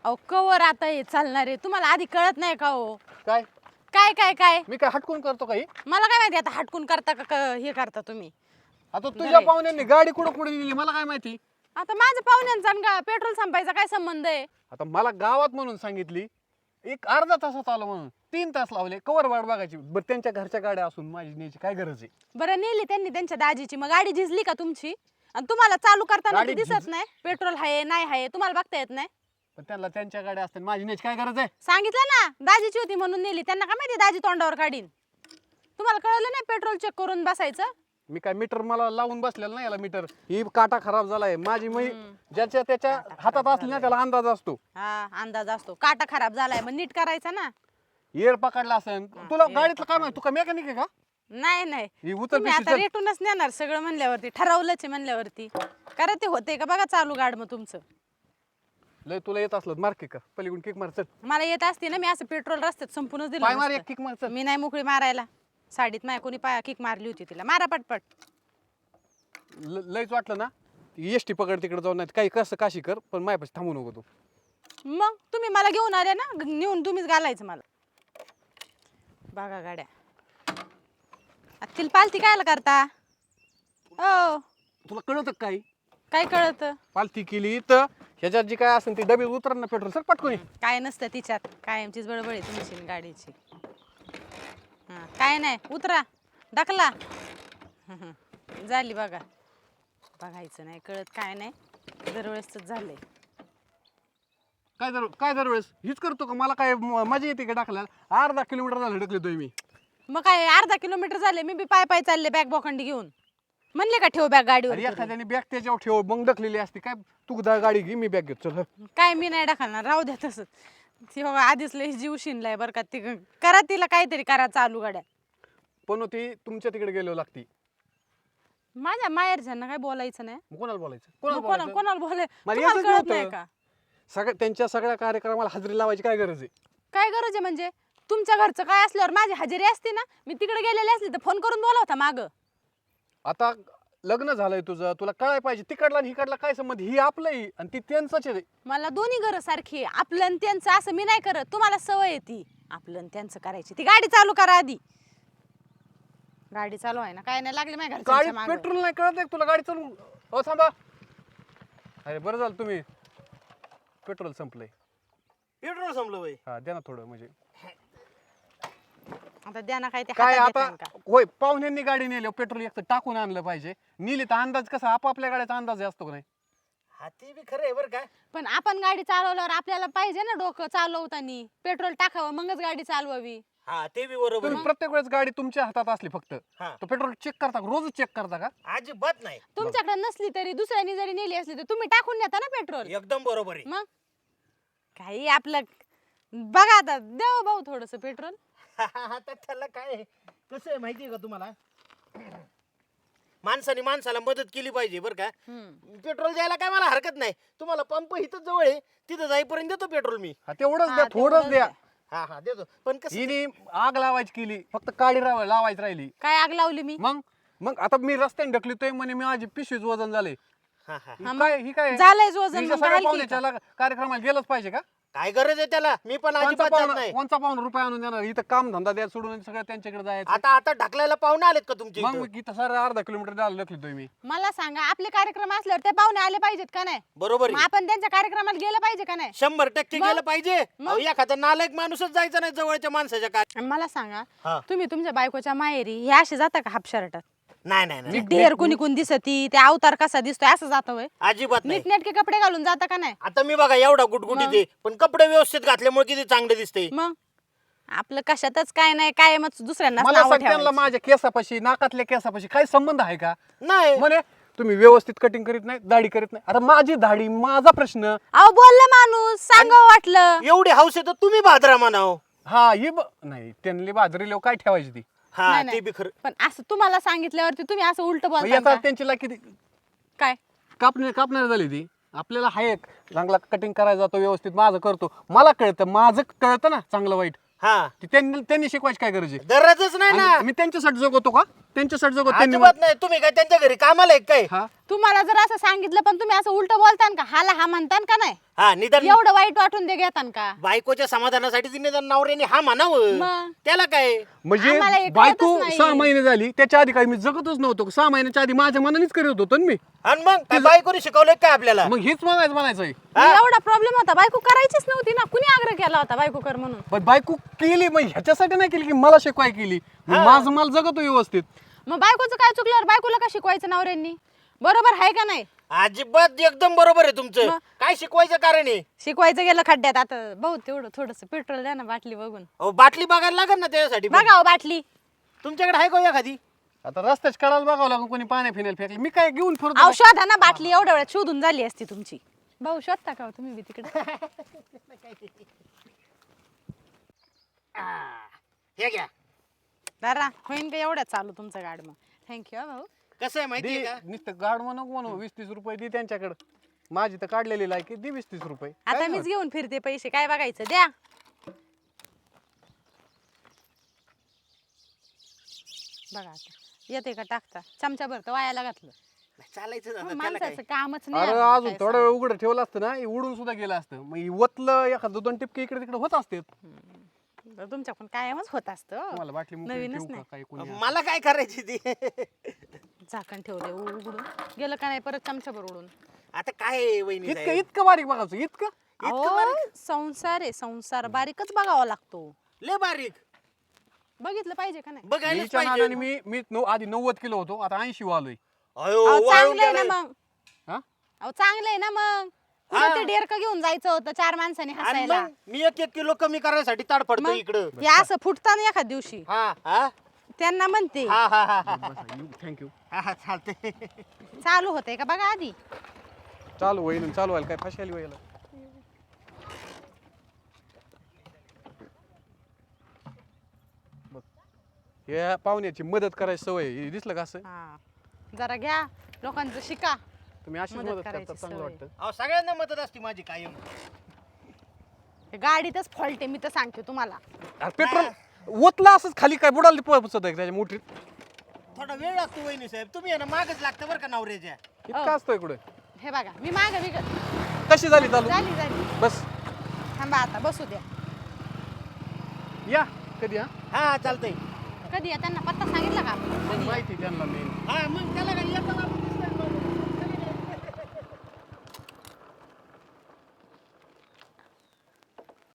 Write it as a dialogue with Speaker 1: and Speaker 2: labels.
Speaker 1: अहो कवर आता हे चालणार आहे, तुम्हाला आधी कळत नाही का हो?
Speaker 2: काय
Speaker 1: काय काय काय
Speaker 2: मी काय हटकून करतो काही?
Speaker 1: मला काय माहिती आता हटकून करता हे करता तुम्ही?
Speaker 2: आता तुझ्या पाहुण्यांनी गाडी कुठं कुठे नेली मला काय माहिती?
Speaker 1: आता माझ्या पाहुण्यांचा आणि का पेट्रोल संपायचा काय संबंध आहे?
Speaker 2: आता मला गावात म्हणून सांगितली, एक अर्धा तासात आलो म्हणून 3 तास लावले, कवर वाट बघायची. बरं त्यांच्या घरच्या गाड्या असून माझी न्यायची काय गरज आहे?
Speaker 1: बरं नेली त्यांनी त्यांच्या दाजीची, मग गाडी झिजली का तुमची? आणि तुम्हाला चालू करताना
Speaker 2: गाडी
Speaker 1: ते दिसत नाही पेट्रोल आहे नाही आहे, तुम्हाला बघता येत नाही?
Speaker 2: पण त्यांना त्यांच्या गाड्या असतात, माझी न्यायची काय गरज आहे?
Speaker 1: सांगितलं ना दाजीची होती म्हणून नेली, त्यांना काय माहिती दाजी तोंडावर काढीन? तुम्हाला कळलं नाही पेट्रोल चेक करून बसायचं?
Speaker 2: मी काय मीटर मला लावून बसलेलं नाही, याला मीटर ही काटा खराब झालाय माझी. ज्याच्या त्याच्या हातात असली ना त्याला अंदाज असतो.
Speaker 1: हा अंदाज असतो. काटा खराब झालाय मग नीट करायचा ना.
Speaker 2: येर पकडला असेल तुला गाडीतलं काय माहिती? तू काय मेकॅनिक आहे का?
Speaker 1: नाही नाही
Speaker 2: ही उतर
Speaker 1: तुम्ही आता रेटूनच नेणार सगळं म्हणल्यावरती, ठरवलंच आहे म्हणल्यावरती. करा ते होते का बघा चालू गाड मग तुमचं.
Speaker 2: लय तुला येत असलं मार किक पलीकडून किक मार चल.
Speaker 1: मला येत असते ना मी असं पेट्रोल रस्त्यात संपूनच
Speaker 2: पाय मार
Speaker 1: दिलं
Speaker 2: एक किक मार चल.
Speaker 1: मी नाही मोकळी मारायला. साडीत माय कोणी पाय किक मारली होती तिला. मारा पटपट.
Speaker 2: लयच वाटलं ना एसटी पकड तिकडे जाऊन, नाही काही कसं काशी कर, पण माझ्यापाशी थांबू नको तू.
Speaker 1: मग तुम्ही मला घेऊन आले ना, नेऊन तुम्हीच घालायचं मला. बघा गाड्या तिला पालती कायला करता? ओ
Speaker 2: तुला कळत काय?
Speaker 1: काय कळत?
Speaker 2: पालती केली तर ह्याच्यात जी काय असेल ती डबे उतर ना पेट्रोल सर पटकून.
Speaker 1: काय नसतं तिच्यात, कायमचीच बडबड आहे तुमची गाडीची. हा काय नाही, उतरा ढकला. झाली बघा. बघायचं नाही कळत काय नाही, दरवेळेस झालंय.
Speaker 2: काय दरवेळेस हीच करतो का? मला काय मजा येते का टाकल्याला? अर्धा किलोमीटर झालं ढकलतोय मी.
Speaker 1: मग काय अर्धा किलोमीटर झाले, मी बी पाय पाय चालले बॅग बोखंडी घेऊन. म्हणले का ठेव बॅग गाडीवर?
Speaker 2: एखाद्याने बॅग त्याच्यावर ठेव मग ढकलेली असते काय? तू गाडी घे मी बॅग घेतो चल.
Speaker 1: काय मी नाही ढकलणार, राहू द्या तसंच. ती बघा आधीच लय जीव शिनलाय बरं का. ती करा तिला काहीतरी करा चालू गाड्या.
Speaker 2: पण ती तुमच्या तिकडे गेलो लागती.
Speaker 1: माझ्या माहेरच्यांना काय बोलायचं नाही.
Speaker 2: कोणाला बोलायचं?
Speaker 1: कोणाला बोलाय
Speaker 2: मला
Speaker 1: तुम्हाला
Speaker 2: यायचंच
Speaker 1: कळत नाही
Speaker 2: नव्हतं.
Speaker 1: का?
Speaker 2: त्यांच्या सगळ्या कार्यक्रमाला हजेरी लावायची काय गरज आहे?
Speaker 1: काय गरज आहे म्हणजे? तुमच्या घरचं काय असल्यावर माझी हजेरी असते ना. मी तिकडे गेलेले असले तर फोन करून बोलावता माग.
Speaker 2: आता लग्न झालंय तुझं, तुला कळाय पाहिजे तिकडला आणि हिकडला काय संबंध? ही आपलंही आणि ती त्यांचंच आहे.
Speaker 1: मला दोन्ही गरज सारखी आहे. आपलं आणि त्यांचं असं मी नाही करत. तुम्हाला सवय आहे ती आपलं आणि त्यांचं करायची. ती गाडी चालू करा आधी. गाडी चालू आहे ना, काय नाही लागले माझ्या
Speaker 2: गाडी
Speaker 1: घरच्या मागं.
Speaker 2: पेट्रोल नाही कळत आहे तुला गाडी चालू? हो थांबा. अरे बरं झालं तुम्ही पेट्रोल संपलंय.
Speaker 3: पेट्रोल संपलं बाई.
Speaker 2: हा द्या ना थोडं म्हणजे
Speaker 1: आता द्या ना काय ते
Speaker 2: काय
Speaker 1: हातात
Speaker 2: आता.
Speaker 1: देतान का?
Speaker 2: होय पाहुण्यांनी गाडी नेली पेट्रोल एक तर टाकून आणलं पाहिजे. नेली तर अंदाज कसा आपापल्या गाड्याचा अंदाज असतो का नाही?
Speaker 3: हा ते बी खरं आहे बरं का.
Speaker 1: पण आपण गाडी चालवल्यावर आपल्याला पाहिजे ना डोकं चालवताना पेट्रोल टाकावं मगच गाडी चालवावी.
Speaker 3: हा ते बी बरोबर
Speaker 2: तुम्ही
Speaker 3: आहे.
Speaker 2: प्रत्येक वेळेस गाडी तुमच्या हातात असली फक्त
Speaker 3: हा
Speaker 2: तर पेट्रोल चेक करता का? रोज चेक करता का?
Speaker 3: अजिबात नाही.
Speaker 1: तुमच्याकडे नसली तरी दुसऱ्यानी जरी नेली असली तर तुम्ही टाकून नेता ना पेट्रोल.
Speaker 3: एकदम बरोबर आहे.
Speaker 1: मग काही आपलं बघा आता देव भाऊ थोडस पेट्रोल.
Speaker 3: आता त्याला काय आहे? कसं आहे माहिती आहे का तुम्हाला? माणसाने माणसाला मदत केली पाहिजे बरं का. पेट्रोल द्यायला काय मला हरकत नाही. तुम्हाला पंप इथं जवळ आहे, तिथं जाईपर्यंत देतो पेट्रोल मी.
Speaker 2: हा तेवढंच
Speaker 1: हा,
Speaker 2: द्या, थोडंच
Speaker 1: तेवढंच
Speaker 2: द्या.
Speaker 3: हा हा देतो. पण कसं
Speaker 2: हिने आग लावायची केली, फक्त काडी लावायची राहिली.
Speaker 1: काय आग लावली मी?
Speaker 2: मग मग आता मी रस्त्याने ढकलतोय म्हणे मी माझी पिशवीच वजन झाले.
Speaker 3: हा हा
Speaker 2: ही काय
Speaker 1: झालंय वजन
Speaker 2: हिच्या
Speaker 1: मग
Speaker 2: सगळ्या
Speaker 1: घाल की
Speaker 2: पाहुण्याच्या कार्यक्रमाला गेलंच पाहिजे का?
Speaker 3: काय गरज आहे त्याला? मी पण अजिबात जात नाही.
Speaker 2: कोणचा पाहुणा रुपये आणून देणार? इथं काम धंदा द्या सोडून सगळं त्यांच्याकडे जायचं.
Speaker 3: आता आता ढकलायला पाहुणे आलेत का तुमचे
Speaker 2: मग
Speaker 3: इथं?
Speaker 2: इथं सर अर्धा किलोमीटर द्यायला ढकलतोय मी.
Speaker 1: मला सांगा आपले कार्यक्रम असल्यावर ते पाहुणे आले पाहिजेत का नाही?
Speaker 3: बरोबर
Speaker 1: मग
Speaker 3: आहे.
Speaker 1: आपण त्यांच्या कार्यक्रमाला गेलं पाहिजे का नाही?
Speaker 3: 100%
Speaker 1: मग?
Speaker 3: गेलं पाहिजे. अहो, एखादा नालायक माणूसच जायचा नाही जवळच्या माणसाच्या काय.
Speaker 1: आणि मला सांगा
Speaker 3: हा.
Speaker 1: तुम्ही तुमच्या बायकोच्या माहेरी हे असे जाता का हाफ शर्टात?
Speaker 3: नाही नाही नाही
Speaker 1: ढेर कुणी कोण दिसती ते अवतार कसा दिसतोय असं जातं वय?
Speaker 3: अजिबात नाही.
Speaker 1: नीटनेटके कपडे घालून जाता का नाही?
Speaker 3: आता मी बघा एवढा गुटगुटी दे पण कपडे व्यवस्थित घातल्यामुळे किती चांगले दिसते.
Speaker 1: मग आपलं कशातच काय नाही काय मग दुसऱ्यांना
Speaker 2: मला सांग त्यांना माझ्या केसापाशी नाकातल्या केसापाशी काय संबंध आहे का?
Speaker 3: नाही
Speaker 2: म्हणे तुम्ही व्यवस्थित कटिंग करीत नाही, दाढी करीत नाही. आता माझी दाढी माझा प्रश्न.
Speaker 1: अहो बोललं माणूस सांगावं वाटलं.
Speaker 3: एवढी हौस आहे तर तुम्ही भाद्रा म्हणाव.
Speaker 2: हा ही नाही त्यांनी बाजरी लोक काय ठेवायची ती?
Speaker 3: हा
Speaker 1: नाही,
Speaker 3: ते
Speaker 1: नाही.
Speaker 3: बी खरं.
Speaker 1: पण असं तुम्हाला सांगितल्यावरती तुम्ही असं उलट
Speaker 2: मग
Speaker 1: बोलता
Speaker 2: याचा
Speaker 1: का?
Speaker 2: त्यांची लायकी किती
Speaker 1: काय
Speaker 2: कापणार झाली ती. आपल्याला हा एक चांगला कटिंग करायला जातो व्यवस्थित माझं करतो. मला कळतं माझं कळतं ना चांगलं वाईट.
Speaker 3: हा
Speaker 2: ते त्यांनी शिकवायची काय गरज आहे?
Speaker 3: गरजच नाही ना.
Speaker 2: आणि मी त्यांच्यासाठी जगवतो का? त्यांच्यासाठी जगवतो त्यांनी.
Speaker 3: अजिबात नाही. तुम्ही काय त्यांच्या घरी कामाला आहे काय?
Speaker 2: हा
Speaker 1: तुम्हाला जर असं सांगितलं पण तुम्ही असं उलट बोलतान का हाला हा म्हणतान का नाही
Speaker 3: हा निदान
Speaker 1: एवढं वाईट वाटून दे घेतान का
Speaker 3: बायकोच्या समाधानासाठी तिने जर नवऱ्याने हा म्हणावं
Speaker 1: मग?
Speaker 3: त्याला काय
Speaker 2: म्हणजे
Speaker 1: आम्हाला हे कळतच
Speaker 2: बायको
Speaker 1: नाही.
Speaker 2: 6 महिने झाली त्याच्या आधी काही मी जगतच नव्हतो 6 महिन्याच्या आधी माझ्या मनानेच करत होतो ना मी
Speaker 3: आणि मग काय बायकोने शिकवलंय काय आपल्याला
Speaker 2: मग हेच म्हणायचं आहे
Speaker 1: एवढा प्रॉब्लेम होता बायको करायचीच नव्हती ना कुणी आग्रह केला होता बायको कर म्हणून
Speaker 2: पण बायको केली मग ह्याच्यासाठी नाही केली की मला शिकवाय केली मी माझं मला जगतो व्यवस्थित
Speaker 1: मग बायकोचं काय चुकल्यावर बायकोला का शिकवायचं नवऱ्यांनी बरोबर आहे का नाही
Speaker 3: अजिबात एकदम बरोबर आहे तुमचं
Speaker 1: मग?
Speaker 3: काय शिकवायचं कारण आहे
Speaker 1: शिकवायचं गेलं खड्ड्यात आता भाऊ तेवढं थोडस पेट्रोल द्या ना बाटली बघून
Speaker 3: अहो, बाटली बघायला लागेल ना त्याच्यासाठी पण.
Speaker 1: बघा हो बाटली
Speaker 3: तुमच्याकडे आहे का एखादी
Speaker 2: आता रस्त्याच कडाला बघावं लागून कोणी पाण्या फिनायला फेकली मी काय घेऊन फिरतो
Speaker 1: अहो शोधा ना बाटली एवढ्या वेळात शोधून झाली असती तुमची भाऊ शोधता का हो तुम्ही बी तिकडे
Speaker 3: हे घ्या
Speaker 1: दारा होईन का एवढ्यात चालू तुमचं गाड मग थँक्यू भाऊ
Speaker 3: कसं आहे माहितीये का
Speaker 2: नुसतं गाड म्हणू म्हणू 20-30 रुपये दे त्यांच्याकडे माझी तर काढलेली लायकी दे 20-30 रुपये
Speaker 1: आता
Speaker 2: काय
Speaker 1: मीच घेऊन फिरते पैसे काय बघायचं द्या बघा आता येते का टाकता चमचा भर तर वायाला घातलं
Speaker 3: चालायचं झालं, त्याला काय
Speaker 1: माणसाचं कामच
Speaker 2: अरे
Speaker 1: नाही
Speaker 2: अजून
Speaker 1: काय
Speaker 2: थोडा वेळ उघडं ठेवलं असतं ना हे उडून सुद्धा गेलं असतं मग हे वतलं एखादं 2 टिपके इकडे तिकडे होत असते
Speaker 1: सांग. तुमच्या पण कायमच होत असतं
Speaker 2: तुम्हाला बाटली मोकळी
Speaker 1: नवीनच
Speaker 2: ठेवू का
Speaker 1: नाही.
Speaker 2: काही कोणी
Speaker 3: मला काय करायची ती
Speaker 1: झाकण ठेवले उघडून गेलं का नाही परत चमचाभर उडून
Speaker 3: आता काय आहे, वहिनी
Speaker 2: इतकं
Speaker 3: साहेब?
Speaker 2: इतकं बारीक बघायचं इतकं
Speaker 1: अहो, संसार आहे संसार बारीकच बघावा लागतो
Speaker 3: लय बारीक
Speaker 1: बघितलं पाहिजे का नाही
Speaker 3: बघायलाच
Speaker 2: हिच्या
Speaker 3: पाहिजे
Speaker 2: नादाने मी आधी 90 किलो होतो आता 80 वालोय
Speaker 3: अयो,
Speaker 1: अहो,
Speaker 3: वाळून
Speaker 1: चांगलं आहे ना
Speaker 3: गेलाय.
Speaker 1: मग
Speaker 2: हा
Speaker 1: अहो चांगलं आहे ना मग कुठं ते डेरकं घेऊन जायचं होतं 4 माणसांनी
Speaker 3: आणि
Speaker 1: हसायला
Speaker 3: मग मी 1-1 किलो कमी करायसाठी ताडफडतो
Speaker 1: मग
Speaker 3: इकडं
Speaker 1: हे असं फुटताना एखाद दिवशी
Speaker 3: हा हा
Speaker 1: त्यांना म्हणते
Speaker 3: हा हा हा
Speaker 2: थँक्यू
Speaker 3: हा हा चालते
Speaker 1: चालू होतंय का बघा आधी
Speaker 2: चालू होईल चालू व्हायला काय फाशी आली व्हायला बघ या पाहुण्याची मदत करायची सवय आहे. हे दिसलं का असं
Speaker 1: हा जरा घ्या लोकांचं शिका
Speaker 2: तुम्ही अशीच
Speaker 1: मदत
Speaker 2: मदत करता
Speaker 1: करायची
Speaker 2: चांगलं
Speaker 1: सवय.
Speaker 2: वाटतं
Speaker 3: अहो सगळ्यांना मदत असते माझी कायम
Speaker 1: हे गाडीतच फॉल्ट आहे मी तर सांगते तुम्हाला
Speaker 2: अरे पेट्रोल ओतला असंच खाली काय बुडाला पोहोचत आहे त्याच्या मोठीत
Speaker 3: थोडा वेळ लागतो वहिनी साहेब तुम्ही आहे ना मागच लागतं बरं का नवऱ्याच्या
Speaker 2: इतकं असतोय कुठे
Speaker 1: हे बघा मी माग
Speaker 2: कशी झाली चालू
Speaker 1: झाली झाली
Speaker 2: बस
Speaker 1: थांबा आता बसू द्या
Speaker 2: या कधी हा
Speaker 3: हा चालतंय
Speaker 1: कधी आहे? त्यांना पत्ता सांगितला का आपण? कधी आहे?
Speaker 2: माहिती त्यांना मेन
Speaker 3: हा मग त्याला काय येतं ना